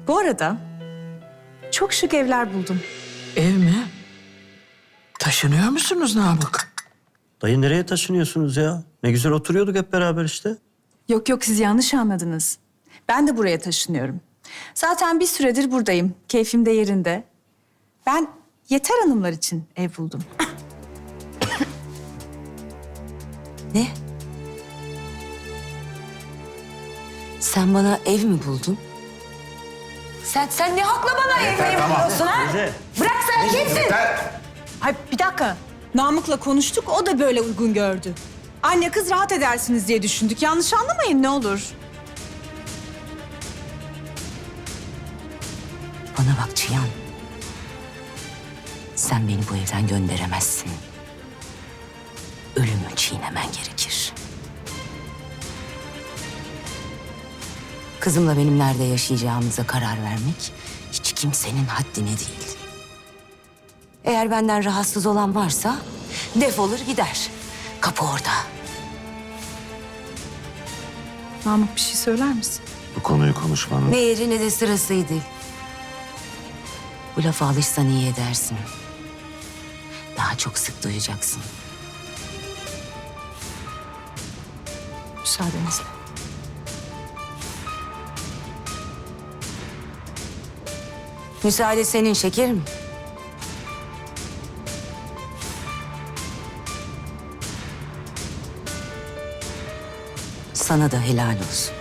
Bu arada çok şık evler buldum. Ev mi? Taşınıyor musunuz Namık? Dayı nereye taşınıyorsunuz ya? Ne güzel oturuyorduk hep beraber işte. Yok yok, siz yanlış anladınız. Ben de buraya taşınıyorum. Zaten bir süredir buradayım. Keyfim de yerinde. Ben Yeter Hanımlar için ev buldum. Ne? Sen bana ev mi buldun? Sen ne hakla bana ev buluyorsun ha? Teyze. Bırak, sen kimsin? Ay bir dakika. Namık'la konuştuk, o da böyle uygun gördü. Anne kız rahat edersiniz diye düşündük. Yanlış anlamayın ne olur. Bana bak Cihan. Sen beni bu evden gönderemezsin. Ölümü çiğnemen gerekir. Kızımla benim nerede yaşayacağımıza karar vermek hiç kimsenin haddine değil. Eğer benden rahatsız olan varsa defolur gider. Kapı orada. Namık bir şey söyler misin? Bu konuyu konuşmanın... Ne yeri ne de sırasıydı. Bu lafa alışsan iyi edersin. Daha çok sık duyacaksın. Müsaadenizle. Müsaade senin şekerim. Sana da helal olsun.